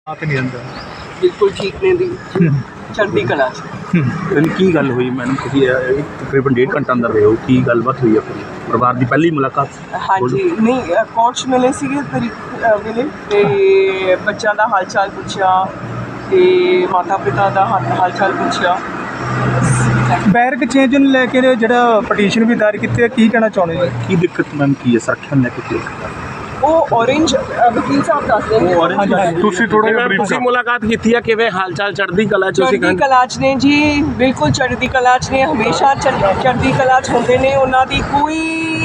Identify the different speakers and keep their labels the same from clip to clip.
Speaker 1: ਆਤ ਨਹੀਂ ਅੰਦਰ
Speaker 2: ਬਿਲਕੁਲ ਠੀਕ ਨੇ ਦੀ ਚੜ੍ਹਦੀ ਕਲਾ 'ਚ।
Speaker 1: ਕੀ ਗੱਲ ਹੋਈ ਮੈਡਮ? ਤੁਸੀਂ ਤਕਰੀਬਨ 1.5 ਘੰਟਾ ਅੰਦਰ ਰਹੇ ਹੋ, ਕੀ ਗੱਲਬਾਤ ਹੋਈ ਆਪਣੀ ਪਰਿਵਾਰ ਦੀ ਪਹਿਲੀ ਮੁਲਾਕਾਤ?
Speaker 2: ਹਾਂਜੀ, ਨਹੀਂ ਕੋਚ ਮਿਲੇ ਸੀਗੇ ਮਿਲੇ ਤੇ ਬੱਚਿਆਂ ਦਾ ਹਾਲ ਚਾਲ ਪੁੱਛਿਆ ਤੇ ਮਾਤਾ ਪਿਤਾ ਦਾ ਹਾਲ ਚਾਲ ਪੁੱਛਿਆ।
Speaker 3: ਬੈਰਕ ਚੇਂਜ ਨੂੰ ਲੈ ਕੇ ਜਿਹੜਾ ਪਟੀਸ਼ਨ ਵੀ ਦਾਇਰ ਕੀਤੀ ਹੈ, ਕੀ ਕਹਿਣਾ ਚਾਹੁੰਦੇ ਹੋ?
Speaker 1: ਕੀ ਦਿੱਕਤ ਮੈਮ ਕੀ ਹੈ ਸੁਰੱਖਿਆ ਨੂੰ ਲੈ ਕੇ?
Speaker 2: ਉਹ ਔਰੇਂਜ ਵਕੀਲ ਸਾਹਿਬ ਦੱਸਦੇ ਨੇ।
Speaker 1: ਤੁਸੀਂ ਥੋੜਾ ਜਿਹਾ
Speaker 4: ਤੁਸੀਂ ਮੁਲਾਕਾਤ ਕੀਤੀ ਹੈ, ਕਿਵੇਂ ਹਾਲ ਚਾਲ? ਚੜ੍ਹਦੀ ਕਲਾ 'ਚ ਤੁਸੀਂ
Speaker 2: ਚੜ੍ਹਦੀ ਕਲਾ 'ਚ ਨੇ ਜੀ, ਬਿਲਕੁਲ ਚੜ੍ਹਦੀ ਕਲਾ 'ਚ ਨੇ, ਹਮੇਸ਼ਾ ਚੜ੍ਹਦੀ ਕਲਾ 'ਚ ਹੁੰਦੇ ਨੇ। ਉਹਨਾਂ ਦੀ ਕੋਈ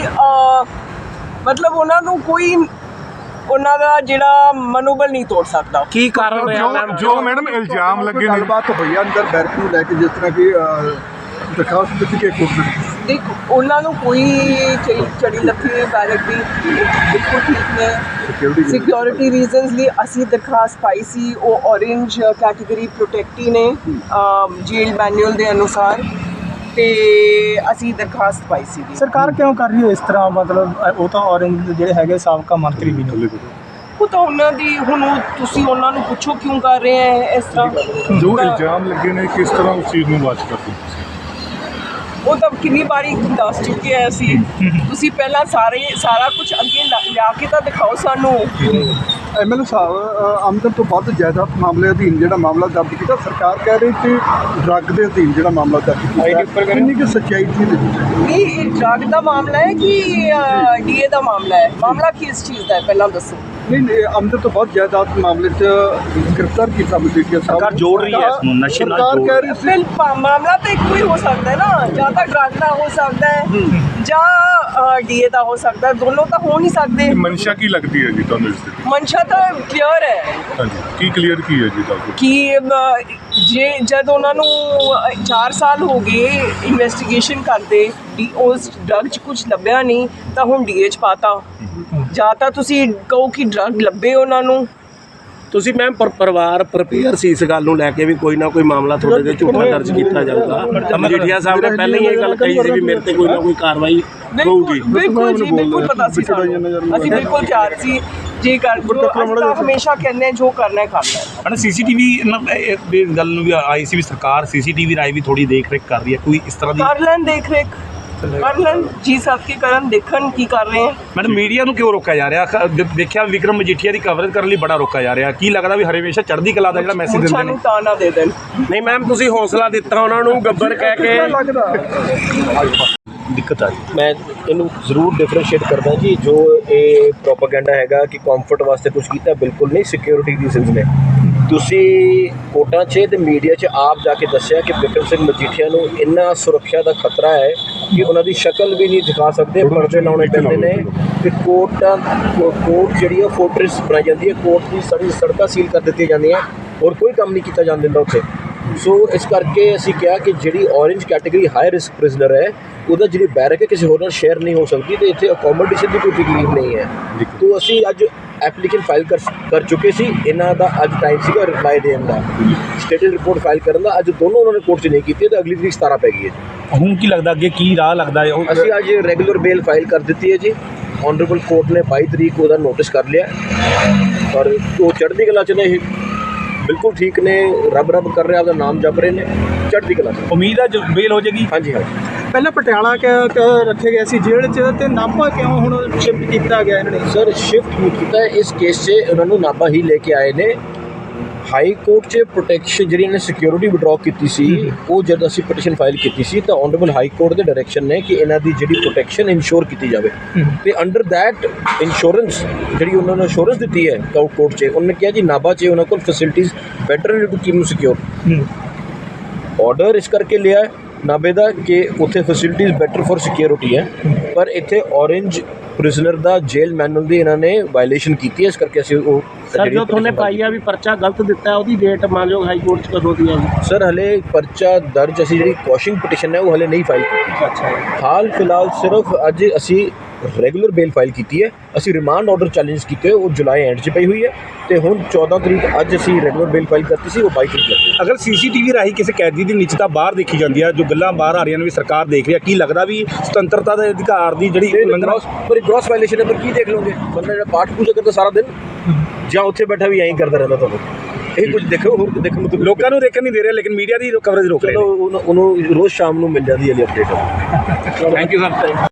Speaker 2: ਮਤਲਬ ਉਹਨਾਂ ਨੂੰ ਕੋਈ ਉਹਨਾਂ ਦਾ ਜਿਹੜਾ ਮਨੋਬਲ ਨਹੀਂ ਤੋੜ ਸਕਦਾ।
Speaker 4: ਕੀ ਕਾਰਨ ਰਿਹਾ ਮੈਮ
Speaker 5: ਜੋ ਮੈਡਮ ਇਲਜ਼ਾਮ ਲੱਗੇ ਨੇ?
Speaker 6: ਗੱਲਬਾਤ ਹੋਈ ਆ ਅੰਦਰ ਬੈਰਕ ਨੂੰ ਲੈ ਕੇ, ਜਿਸ ਤਰ੍ਹਾਂ ਕਿ ਦਰਖਾਸਤ ਦਿੱਤੀ ਕਿ ਕੋਰਟ ਨੇ।
Speaker 2: ਦੇਖੋ ਉਹਨਾਂ ਨੂੰ ਕੋਈ ਚੜੀ ਲੱਥੀ ਨਹੀਂ, ਬੈਰਕ ਦੀ ਬਿਲਕੁਲ ਠੀਕ ਨੇ। ਸਿਕਿਉਰਿਟੀ ਰੀਜ਼ਨਸ ਲਈ ਅਸੀਂ ਦਰਖਾਸਤ ਪਾਈ ਸੀ। ਉਹ ਔਰੇਂਜ ਕੈਟੇਗਰੀ ਪ੍ਰੋਟੈਕਟੀ ਨੇ ਜੇਲ ਮੈਨੂਅਲ ਦੇ ਅਨੁਸਾਰ, ਤੇ ਅਸੀਂ ਦਰਖਾਸਤ ਪਾਈ ਸੀ।
Speaker 3: ਸਰਕਾਰ ਕਿਉਂ ਕਰ ਰਹੀ ਹੈ ਇਸ ਤਰ੍ਹਾਂ? ਮਤਲਬ ਉਹ ਤਾਂ ਔਰੰਜ ਜਿਹੜੇ ਹੈਗੇ ਸਾਬਕਾ ਮੰਤਰੀ ਵੀ ਨੇ।
Speaker 2: ਉਹ ਤਾਂ ਉਹਨਾਂ ਦੀ ਹੁਣ ਤੁਸੀਂ ਉਹਨਾਂ ਨੂੰ ਪੁੱਛੋ ਕਿਉਂ ਕਰ ਰਹੇ ਹੈ ਇਸ ਤਰ੍ਹਾਂ।
Speaker 5: ਜੋ ਇਲਜ਼ਾਮ ਲੱਗੇ ਨੇ ਕਿਸ ਤਰ੍ਹਾਂ ਉਸ ਚੀਜ਼ ਨੂੰ ਵਾਚ ਕਰਦੇ?
Speaker 2: ਉਹ ਤਾਂ ਕਿੰਨੀ ਵਾਰੀ ਦੱਸ ਚੁੱਕੇ ਆ ਅਸੀਂ। ਤੁਸੀਂ ਪਹਿਲਾਂ ਸਾਰਾ ਕੁਝ ਅੱਗੇ ਲਿਆ ਕੇ ਤਾਂ ਦਿਖਾਓ ਸਾਨੂੰ।
Speaker 6: ਐਮਐਲਏ ਸਾਹਿਬ, ਆਮਦਨ ਤੋਂ ਵੱਧ ਜਾਇਦਾਦ ਮਾਮਲੇ ਅਧੀਨ ਜਿਹੜਾ ਮਾਮਲਾ ਦਰਜ ਕੀਤਾ, ਸਰਕਾਰ ਕਹਿ ਰਹੀ ਕਿ ਡਰੱਗ ਦੇ ਅਧੀਨ ਜਿਹੜਾ ਮਾਮਲਾ ਦਰਜ ਕੀਤਾ, ਕਿੰਨੀ ਕਿ ਸੱਚਾਈ ਸੀ?
Speaker 2: ਨਹੀਂ, ਇਹ ਡਰੱਗ ਦਾ ਮਾਮਲਾ ਹੈ ਕਿ ਡੀਏ ਦਾ ਮਾਮਲਾ ਹੈ? ਮਾਮਲਾ ਕਿਸ ਚੀਜ਼ ਦਾ ਹੈ ਪਹਿਲਾਂ ਦੱਸੋ।
Speaker 6: ਨਹੀਂ, ਆਮਦਨ ਤੋਂ ਵੱਧ ਜਾਇਦਾਦ ਮਾਮਲੇ 'ਚ ਗ੍ਰਿਫਤਾਰ ਕੀਤਾ ਮਜੀਠੀਆ ਸਾਹਿਬ।
Speaker 1: ਸਰਕਾਰ ਜੋੜ ਰਹੀ ਹੈ ਇਸ ਨੂੰ ਨਸ਼ੇ ਨਾਲ
Speaker 6: ਸਰਕਾਰ
Speaker 1: ਜੋੜ
Speaker 6: ਕਹਿ ਰਹੀ ਸੀ
Speaker 2: ਮਾਮਲਾ ਤਾਂ ਇੱਕੋ ਹੀ ਹੋ ਸਕਦਾ ਹੈ ਨਾ, ਜਾਂ ਤਾਂ ਡਰੱਗ ਦਾ ਹੋ ਸਕਦਾ ਹੈ ਜਾਂ ਡੀਏ ਦਾ ਹੋ ਸਕਦਾ ਹੈ। ਦੋਨੋਂ ਤਾਂ ਹੋ ਨਹੀਂ ਸਕਦੇ।
Speaker 5: ਮਨਸ਼ਾ ਕੀ ਲੱਗਦੀ ਹੈ ਜੀ ਤੁਹਾਨੂੰ ਇਸ ਦੀ?
Speaker 2: ਮਨਸ਼ਾ ਤਾਂ ਕਲੀਅਰ ਹੈ
Speaker 5: ਹਾਂਜੀ, ਕੀ ਕਲੀਅਰ ਕੀ ਹੈ ਜੀ ਤੁਹਾਨੂੰ?
Speaker 2: ਕਿ ਜਦ ਉਹਨਾਂ ਨੂੰ 4 ਸਾਲ ਹੋ ਗਏ ਇਨਵੈਸਟੀਗੇਸ਼ਨ ਕਰਦੇ, ਉਸ ਡਰੱਗ 'ਚ ਕੁਝ ਲੱਭਿਆ ਨਹੀਂ ਤਾਂ ਹੁਣ ਡੀਏ 'ਚ ਪਾਤਾ। ਜਾਂ ਤਾਂ ਤੁਸੀਂ ਕਹੋ ਕਿ ਡਰੱਗ ਲੱਭੇ ਉਹਨਾਂ ਨੂੰ।
Speaker 4: ਤੁਸੀਂ ਮੈਮ ਪਰਿਵਾਰ ਪ੍ਰਪੇਅਰ ਸੀ ਇਸ ਗੱਲ ਨੂੰ ਲੈ ਕੇ ਵੀ ਕੋਈ ਨਾ ਕੋਈ ਮਾਮਲਾ ਤੁਹਾਡੇ ਤੇ ਝੂਠਾ ਦਰਜ ਕੀਤਾ ਜਾਊਗਾ? ਮਜੀਠੀਆ ਸਾਹਿਬ ਨੇ ਪਹਿਲਾਂ ਹੀ ਇਹ ਗੱਲ ਕਹੀ ਸੀ ਵੀ ਮੇਰੇ ਤੇ ਕੋਈ ਨਾ ਕੋਈ ਕਾਰਵਾਈ ਹੋਊਗੀ।
Speaker 2: ਬਿਲਕੁਲ ਜੀ, ਬਿਲਕੁਲ ਪਤਾ ਸੀ ਸਾਨੂੰ। ਅਸੀਂ ਬਿਲਕੁਲ ਤਿਆਰ ਸੀ ਜੇ ਕਰ ਜੋ ਅਸੀਂ ਤਾਂ ਹਮੇਸ਼ਾ ਕਹਿੰਦੇ ਜੋ ਕਰਨਾ ਹੈ ਕਰਨਾ ਹੈ।
Speaker 1: ਹਨਾ ਸੀਸੀਟੀਵੀ ਦੀ ਗੱਲ ਨੂੰ ਵੀ ਆਈ ਸੀ ਵੀ ਸਰਕਾਰ ਸੀਸੀਟੀਵੀ ਰਾਈ ਵੀ ਥੋੜੀ ਦੇਖ ਰੇਖ ਕਰ ਰਹੀ ਹੈ, ਕੋਈ ਇਸ ਤਰ੍ਹਾਂ ਦੀ
Speaker 2: ਕਰ ਲੈਣ ਦੇਖ ਰੇਖ ਕਰ ਲੈਣ ਜੀ ਸਾਹਿਬ ਕੀ ਕਰਨ, ਦੇਖਣ ਕੀ ਕਰ ਰਹੇ ਹੈ।
Speaker 1: ਮੈਡਮ ਮੀਡੀਆ ਨੂੰ ਕਿਉਂ ਰੋਕਿਆ ਜਾ ਰਿਹਾ? ਦੇਖਿਆ ਵਿਕਰਮ ਮਜੀਠੀਆ ਦੀ ਕਵਰੇਜ ਕਰਨ ਲਈ ਬੜਾ ਰੋਕਿਆ ਜਾ ਰਿਹਾ। ਕੀ ਲੱਗਦਾ ਵੀ ਹਮੇਸ਼ਾ ਚੜ੍ਹਦੀ ਕਲਾ ਦਾ ਜਿਹੜਾ ਮੈਸੇਜ ਦਿੰਦੇ ਨੇ?
Speaker 2: ਸਾਨੂੰ ਤਾਂ ਨਾ ਦੇ ਦੇਣ।
Speaker 4: ਨਹੀਂ ਮੈਮ, ਤੁਸੀਂ ਹੌਸਲਾ ਦਿੱਤਾ ਉਹਨਾਂ ਨੂੰ ਗੱਬਰ ਕਹਿ ਕੇ।
Speaker 1: ਦਿੱਕਤ ਆ ਰਹੀ
Speaker 7: ਮੈਂ ਇਹਨੂੰ ਜ਼ਰੂਰ ਡਿਫਰੈਂਸ਼ੀਏਟ ਕਰਦਾ ਜੀ। ਜੋ ਇਹ ਪ੍ਰੋਪਾਗੈਂਡਾ ਹੈਗਾ ਕਿ ਕੰਫਰਟ ਵਾਸਤੇ ਕੁਝ ਕੀਤਾ, ਬਿਲਕੁਲ ਨਹੀਂ। ਸਿਕਿਉਰਿਟੀ ਰੀਜ਼ਨਸ ਨੇ। ਤੁਸੀਂ ਕੋਰਟਾਂ 'ਚ ਤੇ ਮੀਡੀਆ 'ਚ ਆਪ ਜਾ ਕੇ ਦੱਸਿਆ ਕਿ ਬਿਕਰਮ ਸਿੰਘ ਮਜੀਠੀਆ ਨੂੰ ਇੰਨਾ ਸੁਰੱਖਿਆ ਦਾ ਖਤਰਾ ਹੈ ਕਿ ਉਹਨਾਂ ਦੀ ਸ਼ਕਲ ਵੀ ਨਹੀਂ ਦਿਖਾ ਸਕਦੇ, ਪਰਦੇ ਲਾਉਣੇ ਪੈਂਦੇ ਨੇ। ਕਿ ਕੋਰਟ ਜਿਹੜੀ ਆ ਫੋਰਟ੍ਰੈਸ ਬਣਾਈ ਜਾਂਦੀ ਹੈ, ਕੋਰਟ ਦੀ ਸਾਰੀ ਸੜਕਾਂ ਸੀਲ ਕਰ ਦਿੱਤੀਆਂ ਜਾਂਦੀਆਂ, ਔਰ ਕੋਈ ਕੰਮ ਨਹੀਂ ਕੀਤਾ ਜਾਣ ਦਿੰਦਾ ਉੱਥੇ। ਸੋ ਇਸ ਕਰਕੇ ਅਸੀਂ ਕਿਹਾ ਕਿ ਜਿਹੜੀ orange category high risk prisoner ਹੈ, ਉਹਦਾ ਜਿਹੜੀ ਬੈਰਕ ਹੈ ਕਿਸੇ ਹੋਰ ਨਾਲ ਸ਼ੇਅਰ ਨਹੀਂ ਹੋ ਸਕਦੀ, ਤੇ ਇੱਥੇ ਅਕੋਮੋਡੇਸ਼ਨ ਦੀ ਕੋਈ ਤਕਲੀਫ ਨਹੀਂ ਹੈ। ਤੋ ਅਸੀਂ ਅੱਜ ਐਪਲੀਕੇਸ਼ਨ ਫਾਈਲ ਕਰ ਚੁੱਕੇ ਸੀ। ਇਹਨਾਂ ਦਾ ਅੱਜ ਟਾਈਮ ਸੀਗਾ ਰਿਪਲਾਈ ਦੇਣ ਦਾ, ਸਟੇਟਡ ਰਿਪੋਰਟ ਫਾਈਲ ਕਰਨ ਦਾ। ਅੱਜ ਦੋਨੋਂ ਉਹਨਾਂ ਨੇ ਕੋਰਟ 'ਚ ਨਹੀਂ ਕੀਤੀ, ਤੇ ਅਗਲੀ ਤਰੀਕ 17 ਪੈ ਗਈ ਹੈ ਜੀ।
Speaker 1: ਹੁਣ ਕੀ ਲੱਗਦਾ ਅੱਗੇ ਕੀ ਰਾਹ ਲੱਗਦਾ ਹੈ?
Speaker 7: ਅਸੀਂ ਅੱਜ ਰੈਗੂਲਰ ਬੇਲ ਫਾਈਲ ਕਰ ਦਿੱਤੀ ਹੈ ਜੀ। ਆਨਰੇਬਲ ਕੋਰਟ ਨੇ 22 ਤਰੀਕ ਉਹਦਾ ਨੋਟਿਸ ਕਰ ਲਿਆ, ਔਰ ਉਹ ਚੜ੍ਹਦੀ ਕਲਾ 'ਚ ਨੇ, ਬਿਲਕੁਲ ਠੀਕ ਨੇ, ਰੱਬ ਕਰ ਰਹੇ, ਆਪਦਾ ਨਾਮ ਜਪ ਰਹੇ ਨੇ, ਚੜ੍ਹਦੀ ਕਲਾ 'ਚ।
Speaker 1: ਉਮੀਦ ਹੈ ਜੋ ਬੇਲ ਹੋ ਜਾਏਗੀ?
Speaker 7: ਹਾਂਜੀ ਹਾਂਜੀ।
Speaker 3: ਪਹਿਲਾਂ ਪਟਿਆਲਾ ਰੱਖੇ ਗਏ ਸੀ ਜੇਲ੍ਹ 'ਚ, ਤੇ ਨਾਭਾ ਕਿਉਂ ਹੁਣ ਸ਼ਿਫਟ ਕੀਤਾ ਗਿਆ ਇਹਨਾਂ ਨੇ?
Speaker 7: ਸਰ, ਸ਼ਿਫਟ ਨਹੀਂ ਕੀਤਾ ਇਸ ਕੇਸ 'ਚ, ਉਹਨਾਂ ਨੂੰ ਨਾਭਾ ਹੀ ਲੈ ਕੇ ਆਏ ਨੇ। ਹਾਈ ਕੋਰਟ 'ਚ ਪ੍ਰੋਟੈਕਸ਼ਨ ਜਿਹੜੀ ਇਹਨੇ ਸਿਕਿਉਰਿਟੀ ਵਿਡਰਾਅ ਕੀਤੀ ਸੀ, ਉਹ ਜਦ ਅਸੀਂ ਪਟੀਸ਼ਨ ਫਾਈਲ ਕੀਤੀ ਸੀ ਤਾਂ ਆਨਰੇਬਲ ਹਾਈ ਕੋਰਟ ਦੇ ਡਾਇਰੈਕਸ਼ਨ ਨੇ ਕਿ ਇਹਨਾਂ ਦੀ ਜਿਹੜੀ ਪ੍ਰੋਟੈਕਸ਼ਨ ਇਨਸ਼ੋਰ ਕੀਤੀ ਜਾਵੇ, ਤੇ ਅੰਡਰ ਦੈਟ ਇੰਸ਼ੋਰੈਂਸ ਜਿਹੜੀ ਉਹਨਾਂ ਨੂੰ ਇੰਸ਼ੋਰੈਂਸ ਦਿੱਤੀ ਹੈ ਕੋਰਟ 'ਚ, ਉਹਨਾਂ ਨੇ ਕਿਹਾ ਜੀ ਨਾਭਾ 'ਚ ਉਹਨਾਂ ਕੋਲ ਫੈਸਿਲਿਟੀਜ਼ ਬੈਟਰ ਨੇ to keep you secure. Order ਇਸ ਕਰਕੇ ਲਿਆ ਨਾਭੇ ਦਾ ਕਿ ਉੱਥੇ ਫੈਸਿਲਿਟੀਜ਼ ਬੈਟਰ ਫॉर ਸਿਕਿਉਰਿਟੀ ਹੈ, ਪਰ ਇੱਥੇ ਔਰੇਂਜ ਪ੍ਰਿਜ਼ਨਰ ਦਾ ਜੇਲ ਮੈਨੂਅਲ ਦੀ ਇਹਨਾਂ ਨੇ ਵਾਇਲੇਸ਼ਨ ਕੀਤੀ ਹੈ। ਇਸ ਕਰਕੇ ਅਸੀਂ ਉਹ
Speaker 4: ਸਰ ਜੋ ਤੁਹਾਨੇ ਪਾਈ ਆ ਵੀ ਪਰਚਾ ਗਲਤ ਦਿੱਤਾ, ਉਹਦੀ ਡੇਟ ਮਾਨਯੋਗ ਹਾਈ ਕੋਰਟ 'ਚ ਕਦੋਂ ਦੀ ਹੈ?
Speaker 7: ਸਰ ਹਲੇ ਪਰਚਾ ਦਰਜ, ਅਸੀਂ ਜਿਹੜੀ ਕੁਐਸ਼ਿੰਗ ਪਟੀਸ਼ਨ ਹੈ ਉਹ ਹਲੇ ਨਹੀਂ ਫਾਈਲ ਕੀਤੀ।
Speaker 4: ਅੱਛਾ।
Speaker 7: ਹਾਲ ਫਿਲਹਾਲ ਸਿਰਫ ਅੱਜ ਅਸੀਂ ਰੈਗੂਲਰ ਬੇਲ ਫਾਈਲ ਕੀਤੀ ਹੈ। ਅਸੀਂ ਰਿਮਾਂਡ ਆਰਡਰ ਚੈਲੰਜ ਕੀਤੇ ਉਹ ਜੁਲਾਈ ਐਂਡ 'ਚ ਪਈ ਹੋਈ ਹੈ ਤੇ ਹੁਣ 14 ਤਰੀਕ ਅੱਜ ਅਸੀਂ ਰੈਗੂਲਰ ਬੇਲ ਫਾਈਲ ਕਰਤੀ ਸੀ, ਉਹ 22 ਤਰੀਕ ਲੱਗੀ।
Speaker 1: ਅਗਰ ਸੀਸੀਟੀਵੀ ਰਾਹੀਂ ਕਿਸੇ ਕੈਦੀ ਦੀ ਨਿੱਜਤਾ ਬਾਹਰ ਦੇਖੀ ਜਾਂਦੀ ਹੈ, ਜੋ ਗੱਲਾਂ ਬਾਹਰ ਆ ਰਹੀਆਂ ਨੇ ਵੀ ਸਰਕਾਰ ਦੇਖ ਰਹੀ ਹੈ, ਕੀ ਲੱਗਦਾ ਵੀ ਸੁਤੰਤਰਤਾ ਦੇ ਅਧਿਕਾਰ ਦੀ ਜਿਹੜੀ ਉਲੰਘਣਾ
Speaker 7: ਪਰ ਗ੍ਰੋਸ ਵਾਇਲੇਸ਼ਨ ਹੈ, ਪਰ ਕੀ ਦੇਖ ਲਓਗੇ? ਬੰਦਾ ਜਿਹੜਾ ਪਾਠ ਪੂਜਾ ਕਰਦਾ ਸਾਰਾ ਦਿਨ ਜਾਂ ਉੱਥੇ ਬੈਠਾ ਵੀ ਐਂ ਕਰਦਾ ਰਹਿੰਦਾ, ਤੁਹਾਨੂੰ ਇਹ ਕੁਝ ਦੇਖੋ ਹੋਰ ਦੇਖਣ ਨੂੰ
Speaker 1: ਲੋਕਾਂ ਨੂੰ ਦੇਖਣ ਨਹੀਂ ਦੇ ਰਿਹਾ, ਲੇਕਿਨ ਮੀਡੀਆ ਦੀ ਕਵਰੇਜ ਰੋਕ ਰਹੇ
Speaker 7: ਚਲੋ ਉਹਨੂੰ ਰੋਜ਼ ਸ਼ਾਮ ਨੂੰ ਮਿਲ ਜਾਂਦੀ ਹੈ ਅਪਡੇਟ।
Speaker 1: ਨੇ। Thank you sir.